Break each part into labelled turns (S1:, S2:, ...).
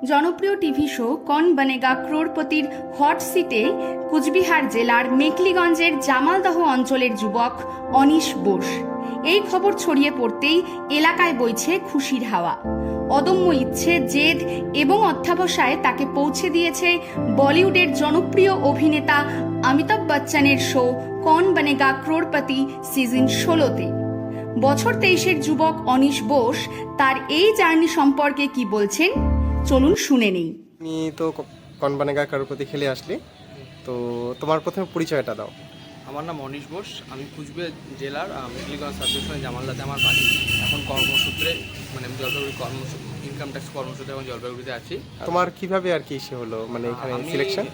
S1: জনপ্রিয় TV show কন বনেগা ক্রোড়পতির hot সিটে কুচবিহার জেলার মেখলিগঞ্জের জামালদহ অঞ্চলের যুবক অনিশ বোস। এই খবর ছড়িয়ে পড়তেই এলাকায় বইছে খুশির হাওয়া। অদম্য ইচ্ছে, জেদ এবং অধ্যাবসায় তাকে পৌঁছে দিয়েছে বলিউডের জনপ্রিয় অভিনেতা অমিতাভ বচ্চনের শো কন বনেগা ক্রোড়পতি সিজন 16-তে। বছর 23-এর যুবক অনিশ বোস তার এই জার্নি সম্পর্কে কি বলছেন চলুন শুনে নেই।
S2: তুমি তো কন বনেগা ক্রোড়পতি খেলে আসলে, তো তোমার প্রথমে পরিচয়টা দাও।
S3: আমার নাম অনিশ বোস। আমি কুচবিহার জেলার মেখলিগঞ্জ সাবডিভিশনে জামালদাতে আমার বাড়ি। এখন কর্মসূত্রে মানে আমি জলপাইগুড়ি ইনকাম ট্যাক্স কর্মসূত্রে এখন জলপাইগুড়িতে আছি।
S2: তোমার কিভাবে আর কি সে হলো, মানে এখানে সিলেকশন?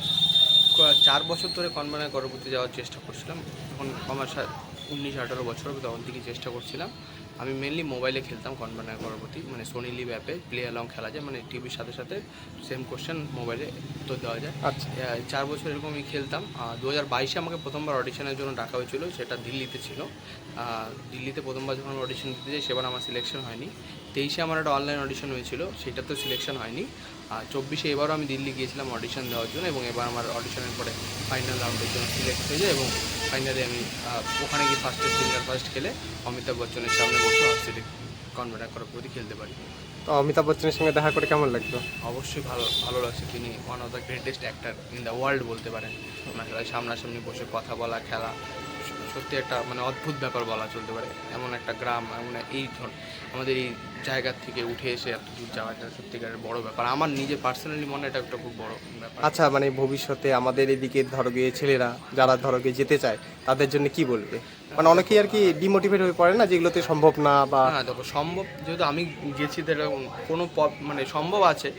S3: 4 বছর ধরে কন বনেগা ক্রোড়পতি যাওয়ার চেষ্টা করছিলাম। এখন আমার 19-18 বছর তখন থেকে চেষ্টা করছিলাম। আমি মেনলি মোবাইলে খেলতাম কন বনেগা ক্রোড়পতি, মানে সোনি লিভ অ্যাপে প্লে অ্যালং খেলা যায়, মানে টিভির সাথে সাথে সেম কোশ্চেন মোবাইলে উত্তর দেওয়া যায়।
S2: আচ্ছা,
S3: 4 বছর এরকম আমি খেলতাম। 2022-এ আমাকে প্রথমবার অডিশনের জন্য ডাকা হয়েছিল, সেটা দিল্লিতে ছিল। দিল্লিতে প্রথমবার যখন অডিশন দিতে যাই সেবার আমার সিলেকশন হয়নি। 23-এ আমার একটা অনলাইন অডিশন হয়েছিল, সেটাতেও সিলেকশন হয়নি। 24-এ এবারও আমি দিল্লি গিয়েছিলাম অডিশন দেওয়ার জন্য, এবং এবার আমার অডিশনের পরে ফাইনাল রাউন্ডের জন্য সিলেক্ট হয়ে যায়, এবং ফাইনালি আমি ওখানে গিয়ে সিঙ্গার ফার্স্ট খেলে অমিতাভ বচ্চনের সামনে বসে হট সিটে কন বনেগা ক্রোড়পতি খেলতে পারি।
S2: তো অমিতাভ বচ্চনের সঙ্গে দেখা করে কেমন লাগলো?
S3: অবশ্যই ভালো লাগছে। তিনি one of the greatest actor in the world বলতে পারেন। ওনার সামনাসামনি বসে কথা বলা, খেলা সত্যি একটা মানে অদ্ভুত ব্যাপার বলা চলতে পারে। এমন একটা গ্রাম, এমন আমাদের এই জায়গার থেকে উঠে এসে এত দূর যাওয়াটা সত্যিকারের বড় ব্যাপার। আমার নিজের পার্সোনালি মনে এটা একটা খুব বড় ব্যাপার।
S2: আচ্ছা, মানে ভবিষ্যতে আমাদের এদিকে ধরো গিয়ে ছেলেরা যারা ধরো গিয়ে যেতে চায় তাদের জন্য কি বলবে? মানে অনেকেই আর কি ডিমোটিভেট হয়ে পড়ে না, যেগুলোতে সম্ভব না বা
S3: হ্যাঁ দেখো, সম্ভব যেহেতু আমি গেছি তো কোনো মানে সম্ভব আছে।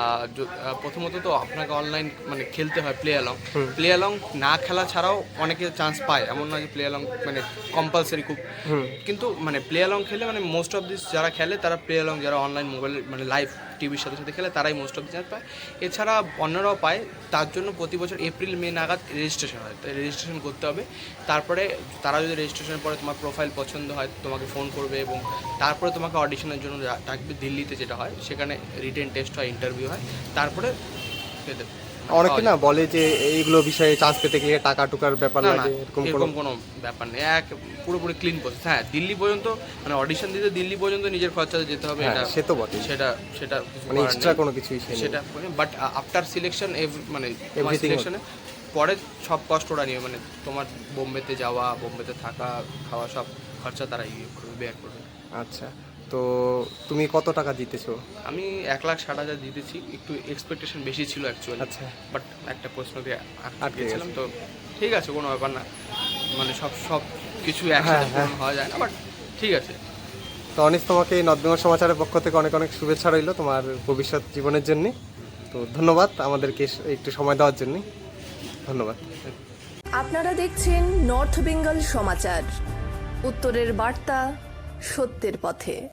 S3: প্রথমত তো আপনাকে অনলাইন মানে খেলতে হয় প্লে অ্যালং না খেলা ছাড়াও অনেকে চান্স পায়, এমন নয় যে প্লে অ্যালং মানে কম্পালসারি খুব। কিন্তু মানে প্লে অ্যালং খেলে মানে মোস্ট অফ দিস যারা খেলে তারা প্লে অ্যালং, যারা অনলাইন মোবাইল মানে লাইভ টিভির সাথে সাথে খেলে তারাই মোস্ট অফ দি চান্স পায়। এছাড়া অন্যরাও পায়। তার জন্য প্রতি বছর এপ্রিল-মে নাগাদ রেজিস্ট্রেশন হয়, তাই রেজিস্ট্রেশন করতে হবে। তারপরে তারা যদি রেজিস্ট্রেশনের পরে তোমার প্রোফাইল পছন্দ হয় তোমাকে ফোন করবে, এবং তারপরে তোমাকে অডিশনের জন্য ডাকবে দিল্লিতে, যেটা হয় সেখানে রিটেন টেস্ট হয়, ইন্টারভিউ হয়, তারপরে পেতে।
S2: অনেকে না বলে যে এইগুলো বিষয়ে চান্স পেতে গেলে টাকা টুকার ব্যাপার লাগে,
S3: এরকম কোনো ব্যাপার নেই। পুরোপুরি ক্লিন প্রসেস। হ্যাঁ, দিল্লি পর্যন্ত মানে অডিশন দিতে দিল্লি পর্যন্ত নিজের খরচাতে যেতে হবে, এটা
S2: সে তো বটে,
S3: সেটা
S2: মানে এক্সট্রা কোনো কিছুই
S3: সেটা। বাট আফটার সিলেকশন মানে সিলেকশনে পরে সব কষ্ট ওরা নিয়ে, মানে তোমার বোম্বেতে যাওয়া, বোম্বেতে থাকা, খাওয়া সব খরচা তারা বেয়ার করবে।
S2: আচ্ছা, তো তুমি কত টাকা জিতেছো?
S3: আমি 1,60,000 জিতেছি। একটু এক্সপেকটেশন বেশি ছিল অ্যাকচুয়ালি।
S2: আচ্ছা,
S3: বাট একটা প্রশ্নকে আটকে গেছিলাম, তো ঠিক আছে, কোনো ব্যাপার না। মানে সব কিছু একসাথে পূরণ হওয়া যায় না, বাট ঠিক আছে।
S2: তো অনিশ, তোমাকে নর্থ বেঙ্গল সমাচারের পক্ষ থেকে অনেক অনেক শুভেচ্ছা রইল তোমার ভবিষ্যৎ জীবনের জন্য। তো ধন্যবাদ আমাদেরকে একটু সময় দেওয়ার জন্য, ধন্যবাদ।
S4: আপনারা দেখছেন নর্থ বেঙ্গল সমাচার, উত্তরের বার্তা, সত্যের পথে।